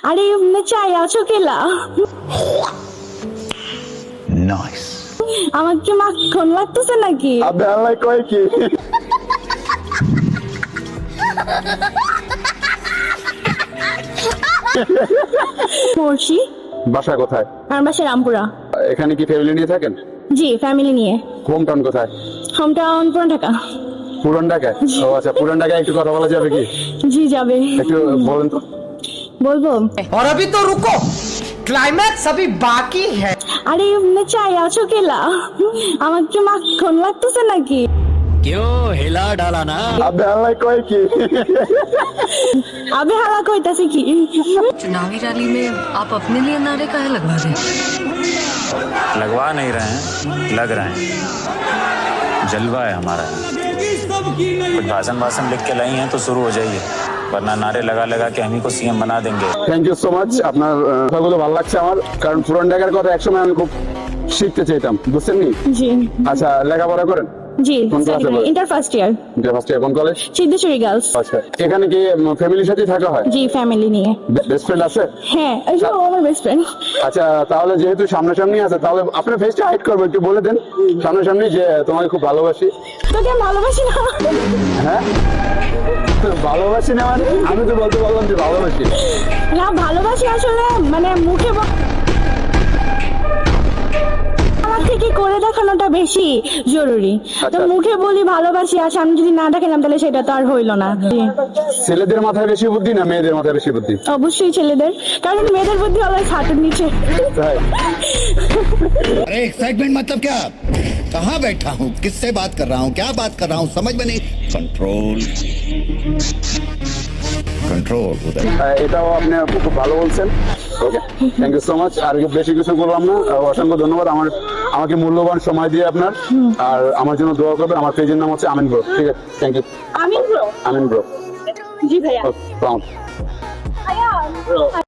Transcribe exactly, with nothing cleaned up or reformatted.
আরে চাই আছো কেলা? নাইস। আমার কি মাখন লাগতেছে নাকি? আপনি আল্লাহ কয় কি? মর্ষি। বাসা কোথায়? আমার বাসা রামপুরা। এখানে কি ফ্যামিলি নিয়ে থাকেন? জি, ফ্যামিলি নিয়ে। হোম টাউন কোথায়? হোম টাউন পুরান ঢাকা। পুরান ঢাকায়? ও আচ্ছা, পুরান ঢাকায় একটু কথা বলা যাবে কি? জি যাবে। একটু বলেন তো। বলবো? और अभी तो रुको, क्लाइमैक्स अभी बाकी है। আরে চাই আছো কেলা? আমার কি মাখন লাগতেছে নাকি? क्यों हिला डाला ना? আপনি আল্লাহ কয় কি? আবে হালা কইতাছে কি? चुनावी रैली में आप अपने लिए नारे काहे लगवा रहे हैं? लगवा नहीं रहे हैं, लग रहे हैं। जलवा है हमारा। कुछ भाषण भाषण लिख के लाई हैं तो शुरू हो जाइए, वरना नारे लगा लगा के हम ही को सीएम बना देंगे। Thank you so much. আপনার আহ, কথাগুলো ভালো লাগছে আমার, কারণ পুরান ঢাকার কথা একসময় আমি খুব শিখতে চাইতাম, বুঝছেন নি? জি আচ্ছা, লেখাপড়া করেন? জি, কোন ক্লাসে পড়েন? Inter first year. First year. কোন কলেজ? সিদ্ধেশ্বরী গার্লস। আচ্ছা, এখানে কি ফ্যামিলির সাথে থাকা হয়? জি, ফ্যামিলি নিয়ে। বেস্ট ফ্রেন্ড আছে? হ্যাঁ, এই যে ও আমার বেস্ট ফ্রেন্ড। আচ্ছা, তাহলে যেহেতু সামনাসামনি আছে, তাহলে আপনার ফেসটা হাইড করবো, একটু বলে দেন সামনাসামনি যে তোমাকে খুব ভালোবাসি। তোকে আমি ভালোবাসি না। হ্যাঁ, ভালোবাসি না মানে? আমি তো বলতে পারলাম যে ভালোবাসি। না, ভালোবাসি আসলে মানে মুখে ব- আমার থেকে করে দেখানোটা বেশি জরুরি। তো আচ্ছা। মুখে বলি ভালোবাসি, আর সামনে যদি না দেখালাম তাহলে সেটা তো আর হইলো না। জি। ছেলেদের মাথায় বেশি বুদ্ধি না মেয়েদের মাথায় বেশি বুদ্ধি? অবশ্যই ছেলেদের, কারণ মেয়েদের বুদ্ধি অলওয়েজ হাঁটুর নিচে। তাই? अरे एक्साइटमेंट मतलब क्या? कहाँ बैठा हूँ, किससे बात कर रहा हूँ, क्या बात कर रहा हूँ, समझ में नहीं। कंट्रोल कंट्रोल उधर। আহ, এটাও আপনি খুব ভালো বলছেন। Okay, thank you so much. আর বেশি কিছু বললাম না। আহ, অসংখ্য ধন্যবাদ আমার আমাকে মূল্যবান সময় দিয়ে আপনার। আর আমার জন্য দোয়া করবেন। আমার পেজের নাম হচ্ছে আমিন ব্রো। ঠিক আছে, thank you. Amin bro. Amin bro. জি ভাইয়া। ওকে,